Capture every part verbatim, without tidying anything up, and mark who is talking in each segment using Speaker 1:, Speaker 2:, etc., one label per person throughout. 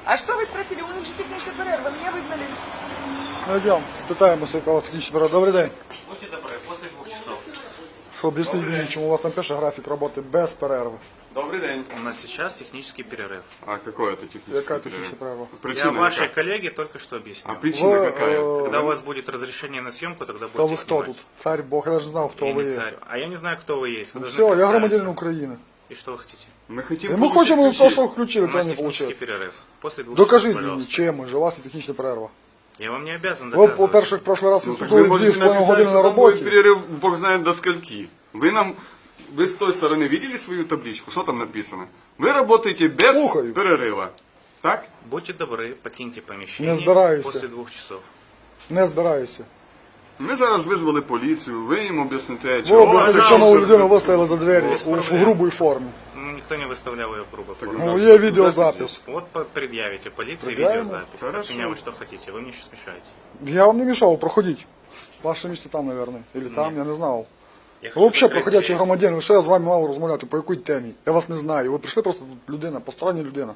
Speaker 1: А что вы спросили? У них же технічний перерв, ви мене вигнали.
Speaker 2: Ну йдемо, спитаємося, яка у вас технічна перерва. Добрий день.
Speaker 3: Будьте добры, после двух часов.
Speaker 2: Що об'ясніть мені, чому у вас там пише графік роботи без перерви?
Speaker 4: Добрый день.
Speaker 3: У нас сейчас технический перерыв.
Speaker 4: А какой это технический
Speaker 2: Яка
Speaker 4: перерыв?
Speaker 2: технічна перерва?
Speaker 3: Я
Speaker 4: Причина
Speaker 3: вашей
Speaker 4: какая?
Speaker 3: коллеге только что объяснил.
Speaker 4: А причина
Speaker 2: Вы,
Speaker 4: какая?
Speaker 2: э,
Speaker 3: Когда у вас будет разрешение на съемку, тогда
Speaker 2: Та ви
Speaker 3: будете
Speaker 2: хто
Speaker 3: снимать.
Speaker 2: тут? Царь Бог, я навіть не знав, хто
Speaker 3: Я
Speaker 2: ви
Speaker 3: не
Speaker 2: є.
Speaker 3: царь. А я не знаю, кто вы есть. Вы
Speaker 2: Ну
Speaker 3: должны
Speaker 2: все, я
Speaker 3: представиться.
Speaker 2: громадянин України.
Speaker 3: И что вы хотите?
Speaker 4: Мы хотим
Speaker 2: І ми
Speaker 4: получить
Speaker 2: хочемо
Speaker 4: ключи.
Speaker 2: то, що
Speaker 3: У
Speaker 2: включили, то
Speaker 3: нас
Speaker 2: не
Speaker 3: технический
Speaker 2: отримали.
Speaker 3: перерыв. После двух
Speaker 2: Докажіть
Speaker 3: часов,
Speaker 2: мені,
Speaker 3: пожалуйста.
Speaker 2: чим же у вас є технічна перерва.
Speaker 3: Я вам не обязан
Speaker 2: Ви,
Speaker 3: доказывать.
Speaker 2: по-перше, в прошлый раз
Speaker 4: Ну, так вы
Speaker 2: відсутствували дві
Speaker 4: можете
Speaker 2: з половиною
Speaker 4: написать,
Speaker 2: години на
Speaker 4: что там будет
Speaker 2: роботі.
Speaker 4: перерыв, бог знает до скольки. Вы нам, вы с той стороны видели свою табличку? Что там написано? Вы работаете без
Speaker 2: Слухаю.
Speaker 4: перерыва. Так?
Speaker 3: Будьте добры, покиньте помещение
Speaker 2: Не збираюся.
Speaker 3: после двух часов.
Speaker 2: Не збираюся.
Speaker 4: Ми зараз визвали поліцію, ви їм об'ясните,
Speaker 2: Ви
Speaker 4: чого у вас
Speaker 2: об'ясніть,
Speaker 4: так
Speaker 2: чому
Speaker 4: все-
Speaker 2: людину виставили за двері
Speaker 3: Без
Speaker 2: у, у
Speaker 3: проблем.
Speaker 2: грубій формі.
Speaker 3: Ну, никто не выставлял ее в грубой форме.
Speaker 2: Ну, є відеозапис.
Speaker 3: Вот по- предъявите полиции
Speaker 2: Предъявим?
Speaker 3: видеозапись.
Speaker 4: Хорошо.
Speaker 3: От меня вы что хотите? Вы мне сейчас мешаете.
Speaker 2: Я вам не мішав, проходіть. Ваше місце там, мабуть. Или там, я не знав.
Speaker 3: Я
Speaker 2: Ви
Speaker 3: хочу
Speaker 2: взагалі
Speaker 3: закрыть
Speaker 2: проходячий
Speaker 3: дверь.
Speaker 2: громадянин, ви що я з вами мав розмовляти, по якій темі? Я вас не знаю. Ви прийшли просто тут людина, постороння людина.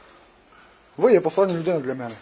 Speaker 2: Ви є постороння людина для мене.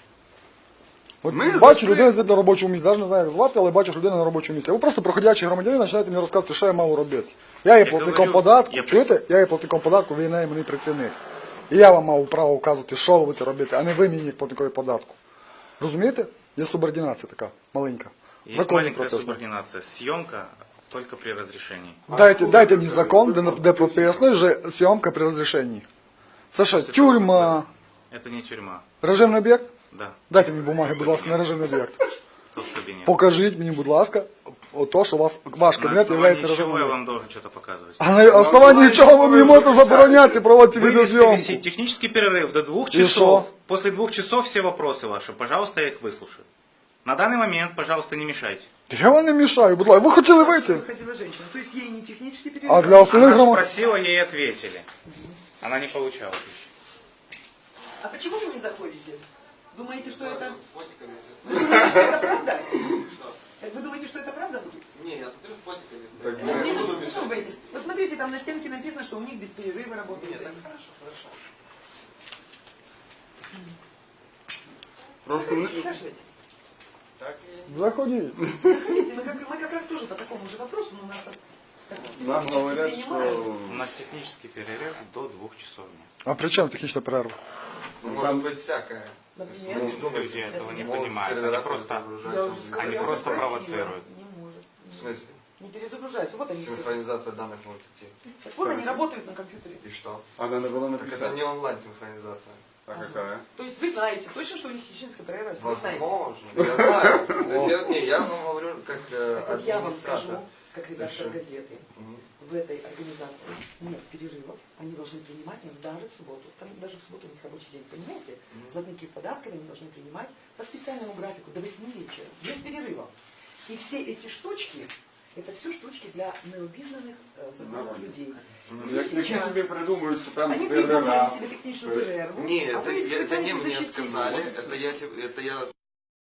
Speaker 2: От
Speaker 4: Ми
Speaker 2: бачу,
Speaker 4: зайшли-
Speaker 2: людина сидить на робочому місці, навіть не знаю, як звати, але бачу, що людина на робочому місці. Ви просто проходячий громадянин, починаєте мені розказувати, що я мав робити. Я є
Speaker 3: Я
Speaker 2: платником
Speaker 3: говорю,
Speaker 2: податку,
Speaker 3: я
Speaker 2: чуєте? Я є платником податку, ви найманий працівник. І я вам мав право вказувати, що ви будете робити, а не ви мені як платникові податку. Розумієте? Є субординація така, маленька.
Speaker 3: Есть
Speaker 2: Законний
Speaker 3: маленькая
Speaker 2: процес.
Speaker 3: субординация. Съемка только при разрешении.
Speaker 2: Дайте, дайте мені закон, де, де прописано, що зйомка при розрішенні. Це що, тюрма,
Speaker 3: Это не тюрьма.
Speaker 2: режимний об'єкт?
Speaker 3: Да,
Speaker 2: Дайте мені бумаги, будь ласка, на режимний об'єкт.
Speaker 3: тот кабинет.
Speaker 2: Покажіть мені, будь ласка, ото, що у вас, ваш
Speaker 3: На
Speaker 2: кабінет є
Speaker 3: основании
Speaker 2: режимним
Speaker 3: чего я
Speaker 2: об'єктом.
Speaker 3: вам должен что-то показывать?
Speaker 2: А на основанні чого ви мені можете забороняти проводити
Speaker 3: Вывеска
Speaker 2: відеозйомку?
Speaker 3: висит. Технический перерыв до двух
Speaker 2: И
Speaker 3: часов.
Speaker 2: шо?
Speaker 3: После двух часов все вопросы ваши. Пожалуйста, я их выслушаю. На данный момент, пожалуйста, не мешайте.
Speaker 2: Я вам не мішаю, будь ласка. Ви хотіли вийти?
Speaker 1: Хотіла женщина. То есть ей не технический перерыв.
Speaker 2: А для остальных
Speaker 3: Она
Speaker 2: громад...
Speaker 3: спросила, ей ответили. Она не получала пищи.
Speaker 1: А почему вы не заходите? Думаете, что это... Вы думаете, что это правда? Вы думаете, что это правда будет?
Speaker 5: Не, я смотрю с фотиками.
Speaker 4: Так,
Speaker 1: Ну,
Speaker 4: мы-
Speaker 1: не, ну, что вы боитесь? Посмотрите, там на стенке написано, что у них без перерыва работает.
Speaker 5: Нет, так хорошо, хорошо.
Speaker 4: Просто ми-
Speaker 1: Скажите.
Speaker 5: Так и...
Speaker 2: Заходіть.
Speaker 1: Смотрите, мы как, мы как раз тоже по такому же вопросу, но у нас там... так,
Speaker 4: нам
Speaker 1: сейчас
Speaker 4: говорять,
Speaker 1: принимают.
Speaker 4: що
Speaker 3: У нас технический перерыв до двух часов дня.
Speaker 2: А при чому технічна перерва?
Speaker 5: Ну, может быть всякое.
Speaker 1: Например,
Speaker 3: Люди этого не
Speaker 5: Могут
Speaker 3: понимают.
Speaker 5: сервера
Speaker 3: Они просто,
Speaker 5: перезагружать,
Speaker 1: я
Speaker 5: там,
Speaker 1: уже
Speaker 5: или
Speaker 1: сказала,
Speaker 3: они
Speaker 1: я уже
Speaker 3: просто
Speaker 1: спросила.
Speaker 3: провоцируют.
Speaker 1: Не может.
Speaker 5: В смысле?
Speaker 1: Не перезагружаются. Вот они все.
Speaker 5: Синхронизация данных может идти.
Speaker 1: Так вот они работают на компьютере.
Speaker 5: И что?
Speaker 4: вона не була
Speaker 5: Так это
Speaker 4: написана.
Speaker 5: не онлайн-синхронизация.
Speaker 4: А какая?
Speaker 1: То есть вы знаете точно, что у них хищинская перерыв? Вы знаете.
Speaker 5: Возможно. Я знаю. То есть я, не, я вам говорю как э,
Speaker 1: Так вот я вам
Speaker 5: администратор.
Speaker 1: скажу, как редактор
Speaker 5: Хорошо.
Speaker 1: газеты,
Speaker 5: Мгм.
Speaker 1: в этой организации нет перерывов, они должны принимать их даже в субботу. Там даже в субботу у них рабочий день, понимаете? Платники податками они должны принимать по специальному графику до восьми вечера, без перерывов. И все эти штучки, это все штучки для необизнаних э, законных людей. И
Speaker 4: Як які
Speaker 1: сейчас
Speaker 4: собі придумують, що там
Speaker 1: они придумали
Speaker 4: сервера.
Speaker 1: себе техническую перерву,
Speaker 5: Не,
Speaker 1: а
Speaker 5: это,
Speaker 1: вы
Speaker 5: это не
Speaker 1: пытаетесь
Speaker 5: мне
Speaker 1: защитить.
Speaker 5: сказали, это я, те- это я